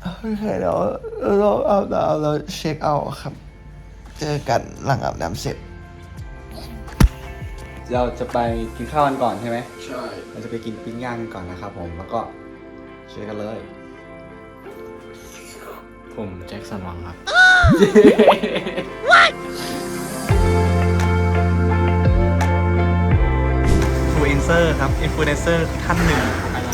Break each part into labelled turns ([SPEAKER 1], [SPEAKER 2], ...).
[SPEAKER 1] โอเคเดี๋ยวเราอาบน้ำแล้วเช็คเอาท์ครับ เจอกันหลังอาบน้ำเสร็จ
[SPEAKER 2] เราจะไปกินข้าวกันก่อนใช่ไหม
[SPEAKER 1] ใช่
[SPEAKER 2] เราจะไปกินปิ้งย่างกันก่อนนะครับผม แล้วก็เจอกันเลย
[SPEAKER 3] ผมแจ็คสันหวังครับ
[SPEAKER 2] ฟูอินเซอร์ครับอินฟลูเอนเซอร์ท่านหนึ่ง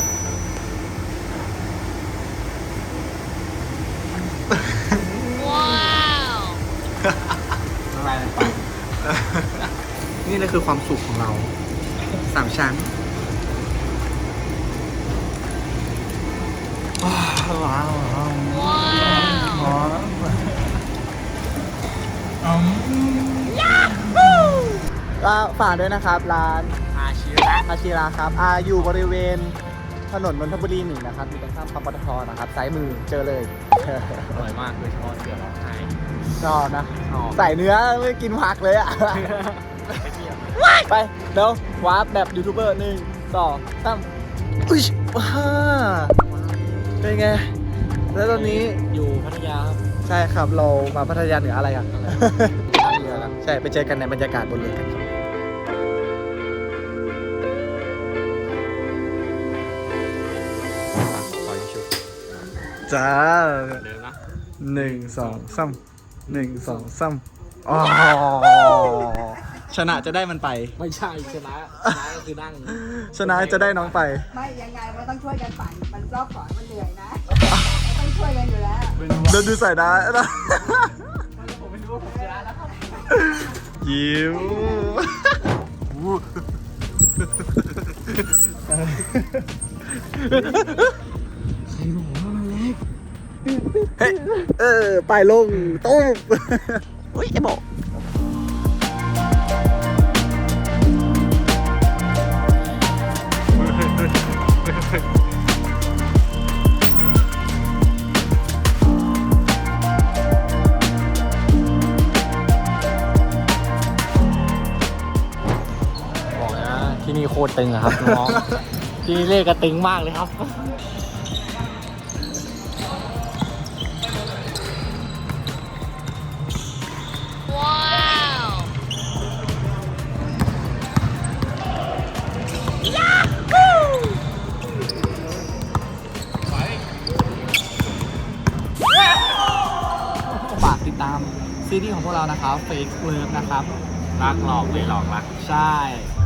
[SPEAKER 2] อะไรไปนี่เลยคือความสุขของเรา3 ชั้นว้าวก็ฝากด้วยนะครับร้านอาชิระครับอยู่บริเวณถนนนนทบุรี1นะครับอยู่ตรงข้ามปั๊มปตทนะครับซ้ายมือเจอเลย
[SPEAKER 3] อร่อยมากโดยเฉพาะเสือร้องไห้
[SPEAKER 2] ชอบนะ
[SPEAKER 3] ชอบ
[SPEAKER 2] ใส่เนื้อไม่กินผักเลยอ่ะ ไปเดี๋ยววาร์ปแบบยูทูบเบอร์1 2 3อุ้ยว้าเป็นไง แล้วตอนนี้
[SPEAKER 3] อยู่พัทยาครับ
[SPEAKER 2] ใช่ครับเรามาพัทยาเหนืออะไรอ่ะ
[SPEAKER 3] ท่าเรือครับ
[SPEAKER 2] ใช่ไปเจอกันในบรรยากาศบนเรือกันครับ
[SPEAKER 3] ขอยิงชุด
[SPEAKER 2] จ้า
[SPEAKER 3] เดิมนะ
[SPEAKER 2] 1 2 3 1 2 3อ๋อชนะจะได้มันไป
[SPEAKER 3] ไม่ใช่ชนะก็คือนั่ง
[SPEAKER 2] ชนะจะได้น้องไป
[SPEAKER 4] ไม่ยังไงมันต้องช่วยกันปั่นมันรอบก่อนมันเหนื่อยนะมันต้องช่วยกันอยู่แล้ว
[SPEAKER 2] เดินดูใส่ได้นะ
[SPEAKER 3] ผมไม่รู้ว่าผมชนะแล้วครับ
[SPEAKER 2] ยิ้มเฮ้ยไปลงตุ้มอุ้ยไอ้บอก
[SPEAKER 3] บอกนะที่นี่โคตรตึงอะครับน้องที่นี่เลขกระตึงมากเลยครับฝากติดตามซีรีส์ของพวกเรานะครับ Fake Love นะครับ รักหลอกเลยหลอกรัก ใช่